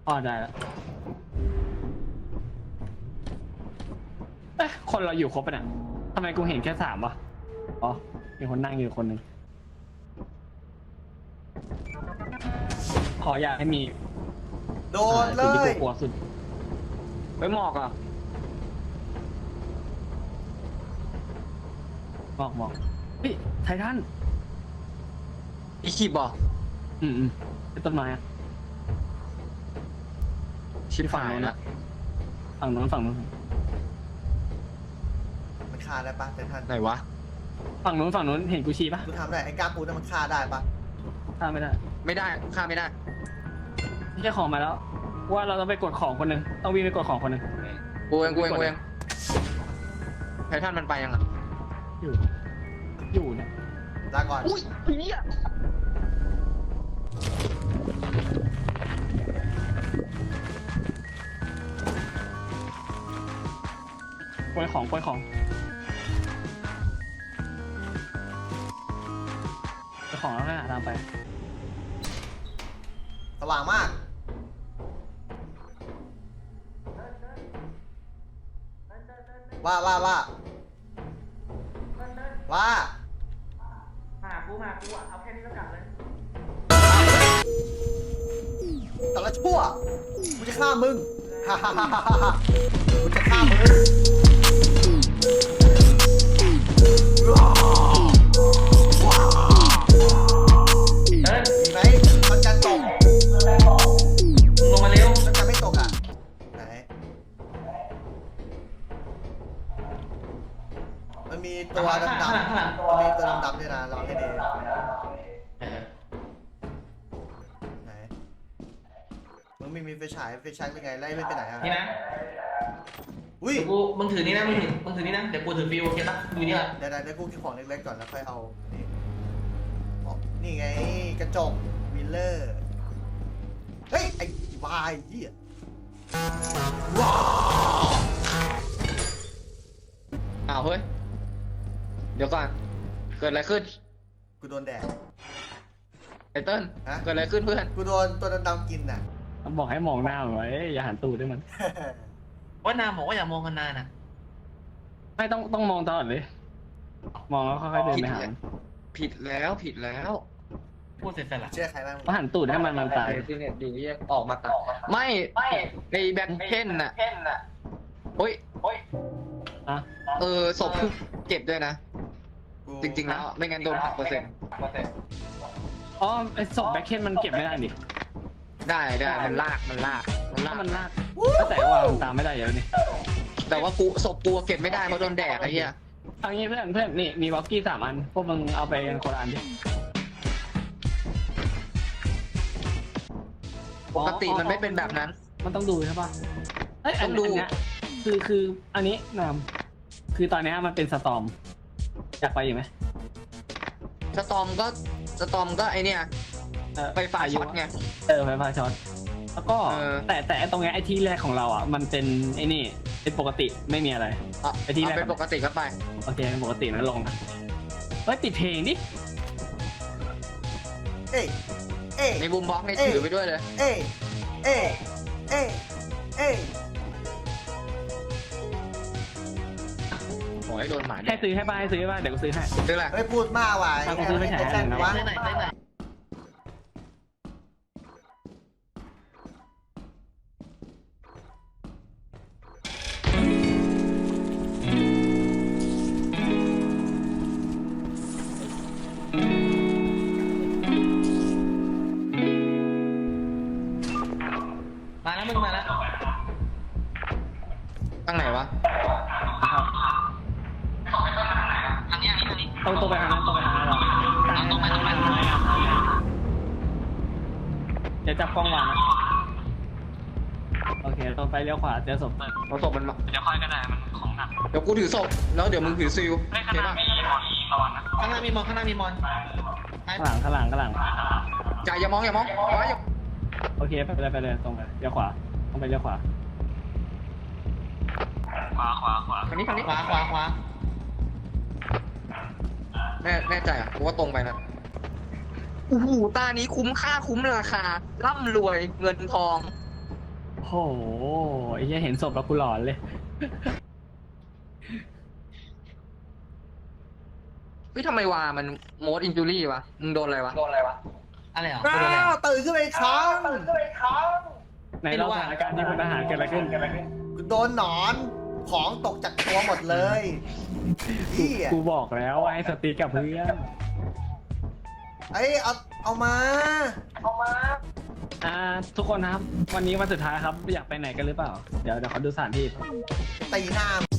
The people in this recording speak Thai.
อ๋อได้แล้วเอ๊ะคนเราอยู่ครบปะเนี่ยทำไมกูเห็นแค่3วะอ๋อมีคนนั่งอยู่คนหนึ่งขออยากให้มีโดนเลสิ่งที่ยกูกลัวสุดไปหมอกอ่ะหมอกเฮ้ยไททันอีคีบบอกเป็นต้นไม้อะชิบฝั่งหายโน้นละอะฝั่งโน้นมันฆ่าได้ปะแต่ท่านไหนวะฝั่งโน้นเห็นกูชี้ปะกูทำได้ไอ้กล้าปูนั่นมันฆ่าได้ปะข้ามไม่ได้ไม่ได้ฆ่าไม่ได้ไม่ใช่ของมาแล้ว ว่าเราต้องไปกดของคนหนึ่งต้องวิ่งไปกดของคนหนึ่งกูเองไททันมันไปยังอ่ะอยู่เนี่ยลาก่อนอุ้ยเหี้ยกดของแล้วก็หาตามไปสว่างมากว่ามากูอ่ะเอาแค่นี้แล้วกันเลยแต่ละชั่วกูจะฆ่ามึงฮ่าฮ่าฮ่าฮ่าฮ่ากูจะฆ่ามึงมีไหมมันจะตกลงมาเร็วมันจะไม่ตกอ่ะไหนมันมีตัวดำๆมันมีตัวดำๆด้วยนะลองให้ดีไหนมึงไม่มีไฟฉายเป็นไงไล่ไม่ไปไหนอ่ะนี่นะอุ้ยมึงถือนี่นะมึงถือนี่นะเดี๋ยวกูถือฟิวโอเคปะดูนี่แหละเดี๋ยวกูกินของเล็กๆก่อนแล้วค่อยเอานี่อ๋อนี่ไงกระจกมิลเลอร์เฮ้ยไอ้วายเหี้ยว้าวอ้าวเฮ้ยเดี๋ยวก่อนเกิดอะไรขึ้นกูโดนแดดไอเติ้ลฮะเกิดอะไรขึ้นเพื่อนกูโดนตัวดำๆกินน่ะบอกให้มองหน้ามันไว้อย่าหันตูดด้วยมันว่านามบอกว่าอย่ามองกันนานอ่ะไม่ต้องมองตลอดเลย มองแล้วค่อยๆเดินไปหามันผิดแล้วพูดเสร็จละเชื่อใครบ้างเพราะหันตูดให้มันตายที่เนี่ยดีแยกออกมาตัดไม่ไอแบ็คเพ่นน่ะโอ้ยอะศพเจ็บด้วยนะ จริงๆแล้วไม่งั้นโดนหักเปอร์เซ็นต์อ๋อไอศพแบ็คเคนมันเก็บไม่ได้ดิได้มันลากถ้ามันลากก็แต่ว่ามันตามไม่ได้เดี๋ยวนี้แต่ว่าศพกูเก็บไม่ได้เพราะโดนแดกไอ้เหี้ยเอางี้เพื่อนนี่มีวอลกี้3 อันพวกมึงเอาไปกันคนละอันดิปกติมันไม่เป็นแบบนั้นมันต้องดูใช่ปะเอ้ยอันต้องดูเนี้ยคืออันนี้คือตอนเนี้ยมันเป็นสตอมอยากไปอยู่ไหมสตอมก็ไอเนี่ยไฟฟ้าช็อตไงไฟฟ้าช็อตแล้วก็ แต่ตรงเนี้ยไอที่แรกของเราอ่ะมันเป็นไอนี่เป็นปกติไม่มีอะไร ไอ้ที่แรกเป็นปกติก็ไปโอเคเป็นปกตินะลงนะเฮ้ยปิดเพลงดิเอ้ยเอ้ยในบูมบ็อกซ์ในถือไปด้วยเลยเอ้ยเอ้ยเอ้ยเอ้ยโอ้ยโดนหมาให้ซื้อให้ป่ะเดี๋ยวกูซื้อให้ซื้ออะไรเฮ้ยพูดมากว่ะเอากูซื้อไปฉายให้หน่อยนะวะเส้นไหนเส้นไหน มาแล้วมึงมาแล้วตั้งไหนวะทางนี้ทางนี้ต้องไปทางนั้นเราเดี๋ยวจับกล้องวางนะโอเคตรงไปเลี้ยวขวาเจอศพเอาศพมันมาเดี๋ยวค่อยก็ได้มันของหนักเดี๋ยวกูถือศพแล้วเดี๋ยวมึงถือซิลไม่ขเห็นนาดปะไม่ระวังนะข้างหน้ามีมอนข้างหน้ามีมอนข้างหลังจ่ายอย่ามองอย่าโอเคไปเลยตรงไปเลี้ยวขวาต้องไปเลี้ยวขวาขวาคันนี้ขวาแน่ใจอ่ะกูว่าตรงไปนะโอ้โหตานี้คุ้มค่าคุ้มราคาร่ำรวยเงินทองโอ้โหไอ้เหี้ยเห็นศพแล้วกูหลอนเลยเฮ้ยทำไมวามันโมดอินจูรี่วะมึงโดนอะไรวะอะไรเหรออ้ากูโดนอะไรวตื่นขึ้นมาอีกครั้งในรอบสถานการณ์ที่พลทหารเกิดอะไรขึ้นกูโดนหนอนของตกจากตัวหมดเลยเหี้ยกูบอกแล้วว่าให้สติกับเพื่อนเอ้ยเอามาทุกคนนะครับ วันนี้วันสุดท้ายครับอยากไปไหนกันหรือเปล่า เดี๋ยวเขาดูสถานที่ตีหน้า